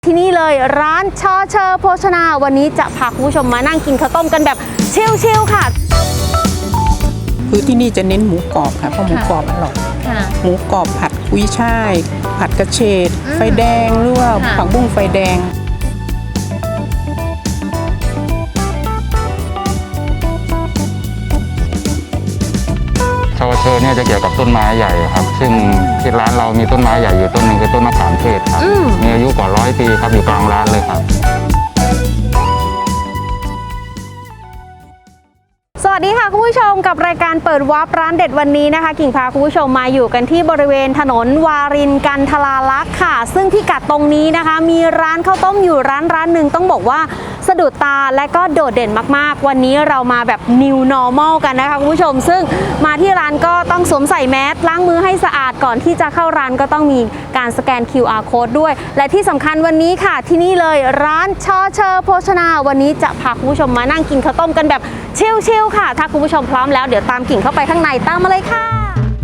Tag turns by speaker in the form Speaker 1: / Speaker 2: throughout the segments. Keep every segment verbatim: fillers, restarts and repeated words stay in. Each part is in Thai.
Speaker 1: ที่นี่เลยร้านชอเชอโภชนาวันนี้จะพาคุณผู้ชมมานั่งกินข้าวต้มกันแบบชิลๆค่ะ
Speaker 2: คือที่นี่จะเน้นหมูกรอบค่ะเพราะหมูกรอบอร่อยหมูกรอบผัดกุ้ยช่ายผัดกระเฉดไฟแดงหรือว่าผักบุ้งไฟแดง
Speaker 3: ชาวเชอเนี่ยจะเกี่ยวกับต้นไม้ใหญ่ครับซึ่งที่ร้านเรามีต้นไม้ใหญ่อยู่ต้นหนึ่งคือต้นมะขามเทศครับมีอายุกว่าร้อยปีครับอยู่กลางร้านเลยครับ
Speaker 1: สวัสดีค่ะคุณผู้ชมกับรายการเปิดวาร์ปร้านเด็ดวันนี้นะคะกิ่งพาคุณผู้ชมมาอยู่กันที่บริเวณถนนวารินกันทราลักษณ์ค่ะซึ่งพิกัดตรงนี้นะคะมีร้านข้าวต้มอยู่ร้านร้านหนึ่งต้องบอกว่าสะดุดตาและก็โดดเด่นมากๆวันนี้เรามาแบบ New Normal กันนะคะคุณผู้ชมซึ่งมาที่ร้านก็ต้องสวมใส่แมสล้างมือให้สะอาดก่อนที่จะเข้าร้านก็ต้องมีการสแกน คิว อาร์ Code ด้วยและที่สำคัญวันนี้ค่ะที่นี่เลยร้านชอเชอโภชนาวันนี้จะพาคุณผู้ชมมานั่งกินข้าวต้มกันแบบชิลๆค่ะถ้าคุณผู้ชมพร้อมแล้วเดี๋ยวตามกิ่งเข้าไปข้างในตามมาเลยค่ะ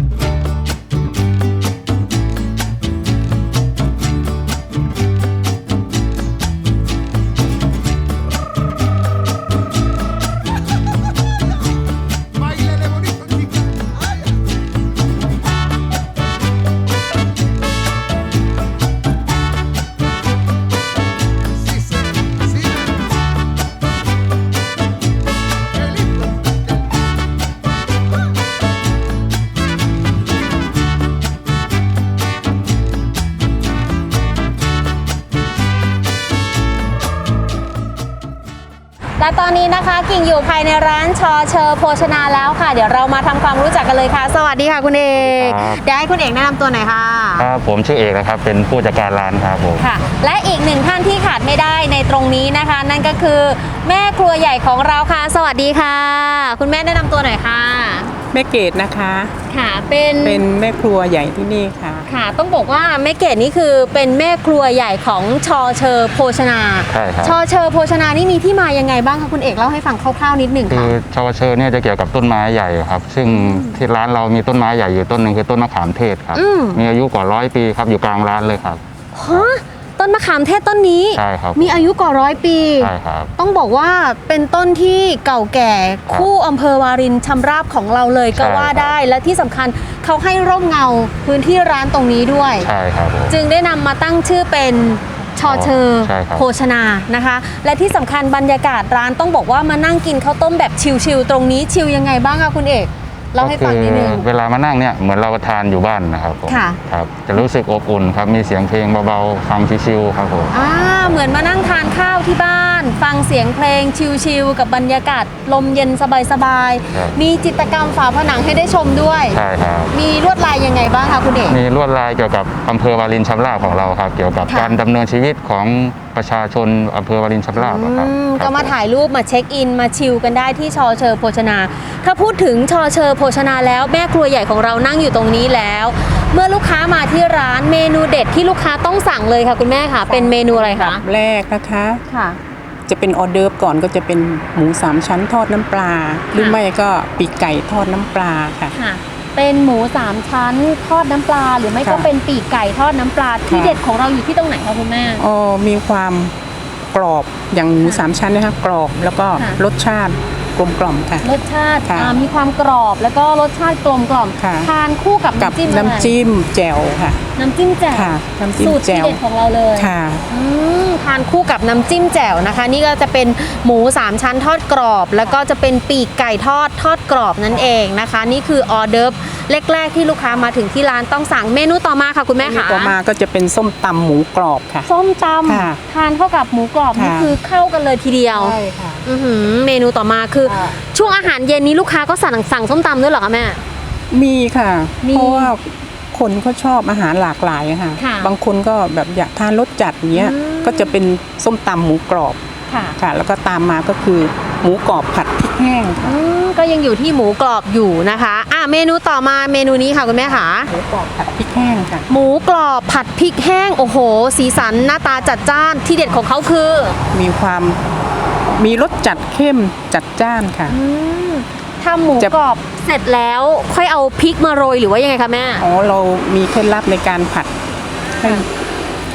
Speaker 1: และตอนนี้นะคะกิ่งอยู่ภายในร้านชอเชอโภชนาแล้วค่ะเดี๋ยวเรามาทำความรู้จักกันเลยค่ะสวัสดีค่ะคุณเอกเดี๋ยวให้คุณเอกแนะนำตัวหน่อยค่ะ
Speaker 3: ครับผมชื่อเอกนะครับเป็นผู้จัดการร้านครับผม
Speaker 1: ค่ะและอีกหนึ่งท่านที่ขาดไม่ได้ในตรงนี้นะคะนั่นก็คือแม่ครัวใหญ่ของเราค่ะสวัสดีค่ะคุณแม่แนะนำตัวหน่อยค่ะ
Speaker 2: แม่เกดนะคะ
Speaker 1: ค่ะเป็น
Speaker 2: เป็นแม่ครัวใหญ่ที่นี่ค่ะ
Speaker 1: ค่ะต้องบอกว่าแม่เกดนี่คือเป็นแม่ครัวใหญ่ของชอเชอโภชนา
Speaker 3: ใช่ครับ
Speaker 1: ชอเชอโภชนานี่มีที่มายังไงบ้างคะคุณเอกเล่าให้ฟังคร่าวๆนิดหนึ่งค่ะ
Speaker 3: คือชาวเชอเนี่ยจะเกี่ยวกับต้นไม้ใหญ่ครับซึ่งที่ร้านเรามีต้นไม้ใหญ่อยู่ต้นหนึ่งคือต้นมะขามเทศครับมีอายุกว่าร้อยปีครับอยู่กลางร้านเลยครับ
Speaker 1: ฮะต้นมะขามเทศต้นนี้
Speaker 3: ใช่ครับ
Speaker 1: มีอายุกว่าร้อยปี
Speaker 3: ใช่ครับ
Speaker 1: ต้องบอกว่าเป็นต้นที่เก่าแก่คู่อำเภอวารินชำราบของเราเลยก็ว่าได้และที่สำคัญเขาให้ร่มเงาพื้นที่ร้านตรงนี้ด้วย
Speaker 3: ใช่ครับ
Speaker 1: จึงได้นำมาตั้งชื่อเป็นชอเชอโภชนานะคะและที่สำคัญบรรยากาศร้านต้องบอกว่ามานั่งกินข้าวต้มแบบชิลๆตรงนี้ชิลยังไงบ้างคะคุณเอกเล่าให้ฟังนิดนึง
Speaker 3: เวลามานั่งเนี่ยเหมือนเราทานอยู่บ้านนะครับผมครับจะรู้สึกอบอุ่นครับมีเสียงเพลงเบาๆฟังชิลๆครับผม
Speaker 1: อ่าเหมือนมานั่งทานข้าวที่บ้านฟังเสียงเพลงชิลๆกับบรรยากาศลมเย็นสบายๆมีจิตรกรรมฝาผนังให้ได้ชมด้วย
Speaker 3: ใช่ครับ
Speaker 1: มีลวดลายยังไงบ้างคะคุณเอก
Speaker 3: มีลวดลายเกี่ยวกับอำเภอวารินชำราบของเราครับเกี่ยวกับการดำเนินชีวิตของประชาชนอำเภอวารินชำราบครับ
Speaker 1: ก็มาถ่ายรูปมาเช็คอินมาชิลกันได้ที่ชอเชอโภชนาถ้าพูดถึงชอเชอโภชนาแล้วแม่ครัวใหญ่ของเรานั่งอยู่ตรงนี้แล้วเมื่อลูกค้ามาที่ร้านเมนูเด็ดที่ลูกค้าต้องสั่งเลยค่ะคุณแม่ค่ะเป็นเมนูอะไรคะ
Speaker 2: แรกนะคะ
Speaker 1: ค่ะ
Speaker 2: จะเป็นออเดิร์ฟก่อนก็จะเป็นหมูสามชั้นทอดน้ำปลาหรือไม่ก็ปีกไก่ทอดน้ำปลาค่ะ
Speaker 1: เป็นหมูสามชั้นทอดน้ำปลาหรือไม่ก็เป็นปีกไก่ทอดน้ำปลาที่เด็ดของเราอยู่ที่ตรงไหนคะคุณแม่
Speaker 2: อ๋อมีความกรอบอย่างหมูสามชั้นนะคะกรอบแล้วก็รสชาติกลมกล่อมค่ะ
Speaker 1: รสชาติมีความกรอบแล้วก็รสชาติกลมกล่อมทานคู่กับน้ำจิ้ม
Speaker 2: น้ำจิ้มแจ่วค่ะ
Speaker 1: น้ำจิ้มแจ่ว
Speaker 2: น้ำจิ้ม
Speaker 1: สูตรที่เด็ดของเราเลย
Speaker 2: ค่ะ
Speaker 1: ทานคู่กับน้ำจิ้มแจ่วนะคะนี่ก็จะเป็นหมูสามชั้นทอดกรอบแล้วก็จะเป็นปีกไก่ทอดทอดกรอบนั่นเองนะคะนี่คือออเดิร์ฟแรกๆที่ลูกค้ามาถึงที่ร้านต้องสั่งเมนูต่อมาค่ะคุณแม่ค่ะ
Speaker 2: ต่อมาก็จะเป็นส้มตำหมูกรอบค่ะ
Speaker 1: ส้มตำทานเข้ากับหมูกรอบนี่คือเข้ากันเลยทีเดียว
Speaker 2: ใช่ค่ะ
Speaker 1: เมนูต่อมาคือช่วงอาหารเย็นนี้ลูกค้าก็สั่งสั่งส้มตำด้วยเหรอคะแม่
Speaker 2: มีค่ะเพราะว่าคนเขาชอบอาหารหลากหลายค่ะบางคนก็แบบอยากทานรสจัดอย่างเงี้ยก็จะเป็นส้มตำหมูกรอบค่ะแล้วก็ตามมาก็คือหมูกรอบผัดพริกแห้ง
Speaker 1: ก็ยังอยู่ที่หมูกรอบอยู่นะคะอ่ะเมนูต่อมาเมนูนี้ค่ะคุณแม่ค่ะ
Speaker 2: หมูกรอบผัดพริกแห้งค่ะ
Speaker 1: หมูกรอบผัดพริกแห้งโอ้โหสีสันหน้าตาจัดจ้านที่เด็ดของเขาคือ
Speaker 2: มีความมีรสจัดเข้มจัดจ้านค่ะ
Speaker 1: ทำหมูกรอบเสร็จแล้วค่อยเอาพริกมาโรยหรือว่ายังไงคะแม่
Speaker 2: อ๋อเรามีเคล็ดลับในการผัดให้ เ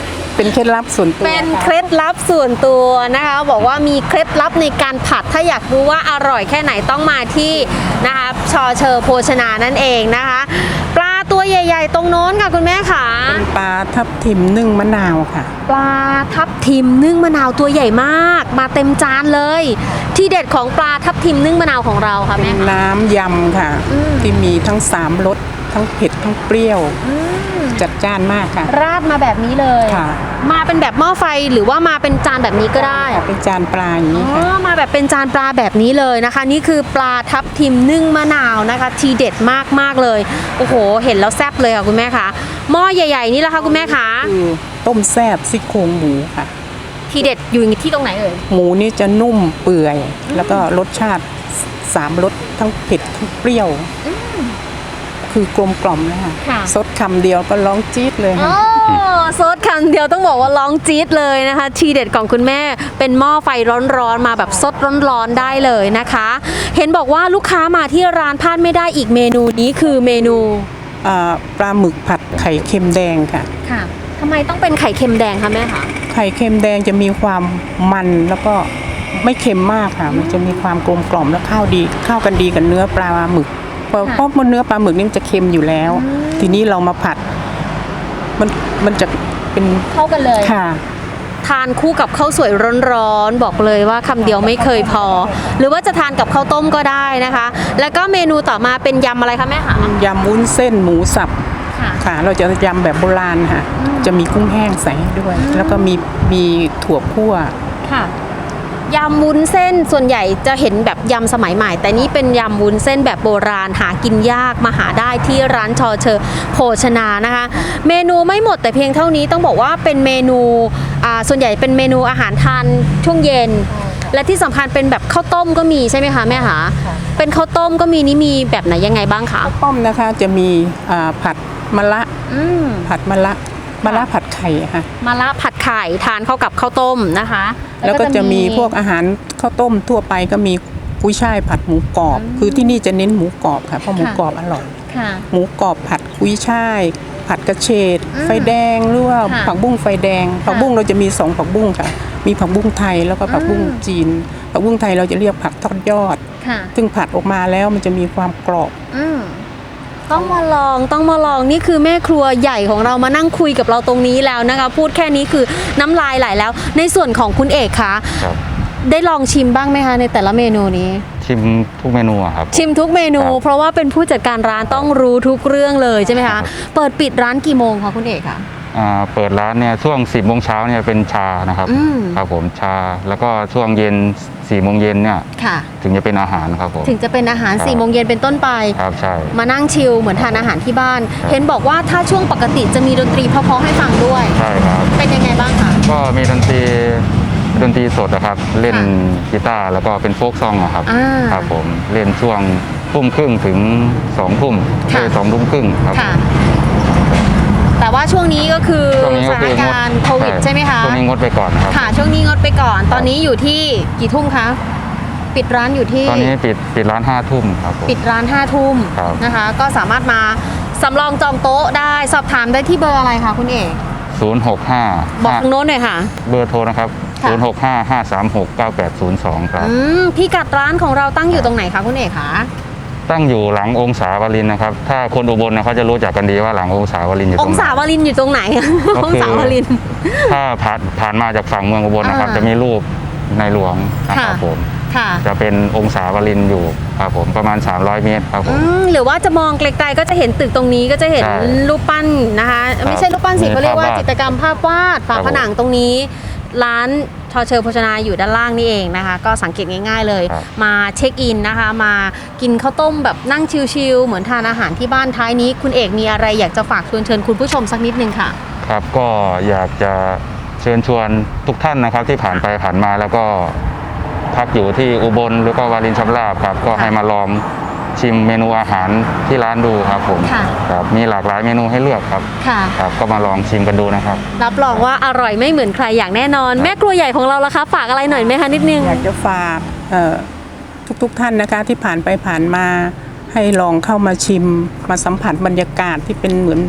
Speaker 2: เป็นเคล็ดลับส่วนตัว
Speaker 1: เป็นเคล็ดลับส่วนตัวนะคะ บอกว่ามีเคล็ดลับในการผัดถ้าอยากรู้ว่าอร่อยแค่ไหนต้องมาที่นะคะชอเชอโภชนานั่นเองนะคะ ปลาตัวใหญ่ ๆ ตรงโน้นค่ะคุณแม่ค่ะ
Speaker 2: เป็นปลาทับทิมนึ่งมะนาวค่ะ
Speaker 1: ปลาทับทิมนึ่งมะนาวตัวใหญ่มาก มาเต็มจานเลย ที่เด็ดของปลาทับทิมนึ่งมะนาวของเราค่ะ
Speaker 2: เป็
Speaker 1: แม่
Speaker 2: น
Speaker 1: ค่ะ
Speaker 2: น้ำยำค่ะ
Speaker 1: อืม
Speaker 2: ที่มีทั้งสามรสทั้งเผ็ดทั้งเปรี้ยว จัดจ้านมากค่ะ
Speaker 1: ราดมาแบบนี้เลย
Speaker 2: ค่ะ
Speaker 1: มาเป็นแบบหม้อไฟหรือว่ามาเป็นจานแบบนี้ก็ได้
Speaker 2: เป็นจานปลาอย่างนี้
Speaker 1: อ๋
Speaker 2: ค่ะ
Speaker 1: อมาแบบเป็นจานปลาแบบนี้เลยนะคะ นี่คือปลาทับทิมนึ่งมะนาวนะคะ ทีเด็ดมากมากๆเลยโอ้โหเห็นแล้วแซ่บเลยค่ะคุณแม่คะหม้อใหญ่ๆนี่แหละค่ะคุณแม่คะ
Speaker 2: คือต้มแซ่บซี่โครงหมูค่ะ
Speaker 1: ทีเด็ดอยู่ที่ตรงไหนเอ่ย
Speaker 2: หมูนี่จะนุ่มเปื่อย แล้วก็รสชาติสามรสทั้งเผ็ดทั้งเปรี้ยว คือกลมกล่อมเลยค่ะ
Speaker 1: ค่ะ
Speaker 2: ซดคำเดียวก็ร้องจี๊ดเลย
Speaker 1: โอ้
Speaker 2: ค่ะ
Speaker 1: ซดคำเดียวต้องบอกว่าร้องจี๊ดเลยนะคะ ทีเด็ดของคุณแม่เป็นหม้อไฟร้อนๆมาแบบซดร้อนๆได้เลยนะคะ เห็นบอกว่าลูกค้ามาที่ร้านพลาดไม่ได้อีกเมนูนี้คือเมนู
Speaker 2: อ่าปลาหมึกผัดไข่เค็มแดงค่ะ
Speaker 1: ค่ะทำไมต้องเป็นไข่เค็มแดงคะแม่คะ
Speaker 2: ไข่เค็มแดงจะมีความมันแล้วก็ไม่เค็มมากค่ะ มันจะมีความกลมกล่อมและเข้าดีเข้ากันดีกับเนื้อปลาหมึกเพราะเพราะเนื้อปลาหมึกนี่มันจะเค็มอยู่แล้ว ทีนี้เรามาผัด มันมันจะเป็น
Speaker 1: เข้ากันเลย
Speaker 2: ค่ะ
Speaker 1: ทานคู่กับข้าวสวยร้อนๆบอกเลยว่าคำเดียวไม่เคยพอ หรือว่าจะทานกับข้าวต้มก็ได้นะคะ แล้วก็เมนูต่อมาเป็นยำอะไรคะแม่คะ
Speaker 2: ยำวุ้นเส้นหมูสับ
Speaker 1: ค่ะ
Speaker 2: ค่ะ เราจะยำแบบโบราณค่ะ จะมีกุ้งแห้งใส่ให้ด้วย แล้วก็มีมีถั่วคั่ว
Speaker 1: ค่ะยำวุ้นเส้นส่วนใหญ่จะเห็นแบบยำสมัยใหม่ แต่นี่เป็นยำวุ้นเส้นแบบโบราณหากินยากมาหาได้ที่ร้านชอเชอโภชนานะคะ เมนูไม่หมดแต่เพียงเท่านี้ต้องบอกว่าเป็นเมนูอ่าส่วนใหญ่เป็นเมนูอาหารทานช่วงเย็น และที่สำคัญเป็นแบบข้าวต้มก็มีใช่ไหมคะแม่คะเป็นข้าวต้มก็มีนี่มีแบบไหนยังไงบ้างคะ
Speaker 2: ต้มนะคะจะมีอ่าผัดมะละ
Speaker 1: อืม
Speaker 2: ผัดมะละมะละผัดไข่ค่ะ
Speaker 1: มะระผัดไข่ทานเข้ากับข้าวต้มนะคะ
Speaker 2: แล้วก็จะมีพวกอาหารข้าวต้มทั่วไปก็มีกุ้ยช่ายผัดหมูกรอบ คือที่นี่จะเน้นหมูกรอบค่ะเพราะหมูกรอบอร่อย
Speaker 1: ค่ะ
Speaker 2: หมูกรอบผัดกุ้ยช่าย ผัดกระเฉด
Speaker 1: อืม
Speaker 2: ไฟแดงหรือว่า
Speaker 1: ค่ะ
Speaker 2: ผักบุ้งไฟแดง ผักบุ้งเราจะมีสองผักบุ้งค่ะ มีผักบุ้งไทยแล้วก็ผักบุ้ง
Speaker 1: อืม
Speaker 2: จีน ผักบุ้งไทยเราจะเรียกผักทอดยอด
Speaker 1: ค่ะ
Speaker 2: ซึ่งผัดออกมาแล้วมันจะมีความกรอบ
Speaker 1: อืมต้องมาลองต้องมาลองนี่คือแม่ครัวใหญ่ของเรามานั่งคุยกับเราตรงนี้แล้วนะคะ พูดแค่นี้คือน้ำลายไหลแล้ว ในส่วนของคุณเอกคะ
Speaker 3: ครับ
Speaker 1: ได้ลองชิมบ้างไหมคะในแต่ละเมนูนี้
Speaker 3: ชิมทุกเมนูอะครับ
Speaker 1: ชิมทุกเมนู
Speaker 3: ครับ
Speaker 1: เพราะว่าเป็นผู้จัดการร้านต้องรู้ทุกเรื่องเลยใช่ไหมคะเปิดปิดร้านกี่โมงคะคุณเอกคะ
Speaker 3: อ่าเปิดร้านเนี่ยช่วงสิบโมงเช้าเนี่ยเป็นชานะครับ
Speaker 1: อืม
Speaker 3: ครับผมชาแล้วก็ช่วงเย็นสี่โมงเย็นเนี่ย
Speaker 1: ค่ะ
Speaker 3: ถึงจะเป็นอาหารครับผม
Speaker 1: ถึงจะเป็นอาหาร
Speaker 3: ครับ
Speaker 1: สี่โมงเย็นเป็นต้นไป
Speaker 3: ครับใช่
Speaker 1: มานั่งชิลเหมือนทานอาหารที่บ้าน
Speaker 3: ครับ
Speaker 1: เห็นบอกว่าถ้าช่วงปกติจะมีดนตรีเพราะๆให้ฟังด้วย
Speaker 3: ใช่ครับ
Speaker 1: เป็นยังไงบ้างคะ
Speaker 3: ก็มีดนตรีดนตรีสดนะครับ เล่น
Speaker 1: ค่ะ
Speaker 3: กีตาร์แล้วก็เป็นโฟกซองอะครับ
Speaker 1: อ่า
Speaker 3: ครับผมเล่นช่วงทุ่มครึ่งถึงสองทุ่ม
Speaker 1: ค่ะ
Speaker 3: เอ้ยสองทุ่มครึ่งครับ
Speaker 1: ค่ะ แต่ว่าช่วงนี้ก็คือ
Speaker 3: ช่วงนี้
Speaker 1: ส
Speaker 3: ก็
Speaker 1: ถาน
Speaker 3: คืองด
Speaker 1: การณ์โควิดใช่ไหมคะ
Speaker 3: ช่วงนี้งดไปก่อนนะครับ
Speaker 1: ค่ะ ช่วงนี้งดไปก่อน ตอนนี้อยู่ที่กี่ทุ่มคะ ปิดร้านอยู่ที่
Speaker 3: ตอนนี้ปิดปิดร้านห้าทุ่มครับผม
Speaker 1: ปิดร้านห้าทุ่ม
Speaker 3: ครับ
Speaker 1: นะคะ ก็สามารถมาสำรองจองโต๊ะได้ สอบถามได้ที่เบอร์อะไรคะคุณเอก
Speaker 3: ศูนย์หกห้า
Speaker 1: บอกทางโน้นหน่อยค่ะ
Speaker 3: เบอร์โทรนะครับ
Speaker 1: ค่ะ
Speaker 3: ศูนย์หกห้า ห้าสามหก เก้าแปดศูนย์สองครับ
Speaker 1: อืมพี่กัดร้านของเราตั้งอยู่ตรงไหนคะคุณเอกคะ
Speaker 3: ตั้งอยู่หลังองศาวรินทร์นะครับ ถ้าคนอุบลนะเขาจะรู้จักกันดีว่าหลังองศาวรินทร์อยู่ต
Speaker 1: อ
Speaker 3: รง งไหน
Speaker 1: ศาวรินทร์อยู่ตรงไหน
Speaker 3: ก็
Speaker 1: อง
Speaker 3: คือ
Speaker 1: ศาวรินทร์
Speaker 3: ถ้าผ่านผ่านมาจากฝั่งเมืองอุบลนะครับ
Speaker 1: อ่า
Speaker 3: จะมีรูปในหลวงนะครับ
Speaker 1: ค่ะ
Speaker 3: ผม
Speaker 1: ค่ะ
Speaker 3: จะเป็นองศาวรินทร์อยู่ครับผมประมาณ สามร้อย เมตรครับผ
Speaker 1: อื
Speaker 3: ม
Speaker 1: มหรือว่าจะมองไกลๆก็จะเห็นตึกตรงนี้ก็จะเห็น
Speaker 3: ใช่
Speaker 1: รูปปั้นนะคะ
Speaker 3: ครับ
Speaker 1: ไม่ใช่รูปปั้นสิ
Speaker 3: มี
Speaker 1: เขาเรียกว่า
Speaker 3: ภาพวาด
Speaker 1: จิตรกรรมภาพวาดฝา
Speaker 3: ครับ
Speaker 1: ผนังตรงนี้ ร้านชอเชอโภชนาอยู่ด้านล่างนี่เองนะคะ ก็สังเกตง่ายๆเลย
Speaker 3: ครับ
Speaker 1: มาเช็คอินนะคะ มากินข้าวต้มแบบนั่งชิลๆเหมือนทานอาหารที่บ้านท้ายนี้ คุณเอกมีอะไรอยากจะฝากชวนเชิญคุณผู้ชมสักนิดนึงค่ะ
Speaker 3: ครับก็อยากจะเชิญชวนทุกท่านนะครับที่ผ่านไปผ่านมาแล้วก็พักอยู่ที่อุบลหรือก็วารินชำราบครับ ก็ให้มาลองชิมเมนูอาหารที่ร้านดูครับผม
Speaker 1: ค่ะ
Speaker 3: ครับมีหลากหลายเมนูให้เลือกครับ
Speaker 1: ค่ะ
Speaker 3: ครับก็มาลองชิมกันดูนะครับ
Speaker 1: รับรองว่าอร่อยไม่เหมือนใครอย่างแน่นอน แม่ครัวใหญ่ของเราล่ะคะฝากอะไรหน่อยไหมคะนิดนึง
Speaker 2: อยากจะฝากเอ่อทุกๆท่านนะคะที่ผ่านไปผ่านมาให้ลองเข้ามาชิมมาสัมผัสบรรยากาศที่เป็นเหมือน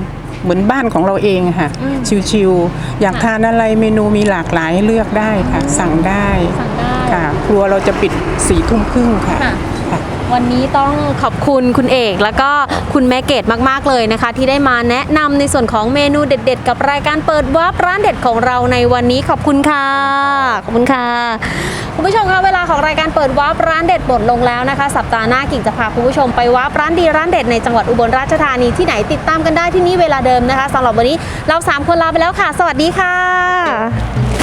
Speaker 2: เหมือนบ้านของเราเองอะค่ะ
Speaker 1: อืม
Speaker 2: ชิวๆอยาก
Speaker 1: ค่ะ
Speaker 2: ทานอะไรเมนูมีหลากหลายให้เลือกได้ค่ะ สั่งได้
Speaker 1: สั่งได้
Speaker 2: ค่ะครัวเราจะปิดสี่ทุ่มครึ่งค่ะ
Speaker 1: ค่ะ
Speaker 2: ค่ะ
Speaker 1: วันนี้ต้องขอบคุณคุณเอกแล้วก็คุณแม่เกดมากๆเลยนะคะ ที่ได้มาแนะนำในส่วนของเมนูเด็ดๆ กับรายการเปิดวาร์ปร้านเด็ดของเราในวันนี้ขอบคุณค่ะขอบคุณค่ะคุณผู้ชมคะเวลาของรายการเปิดวาร์ปร้านเด็ดหมดลงแล้วนะคะสัปดาห์หน้ากิ่งจะพาคุณผู้ชมไปวาร์ปร้านดีร้านเด็ดในจังหวัดอุบลราชธานีที่ไหนติดตามกันได้ที่นี่เวลาเดิมนะคะสำหรับวันนี้เราสามคนลาไปแล้วค่ะ สวัสดีค่ะ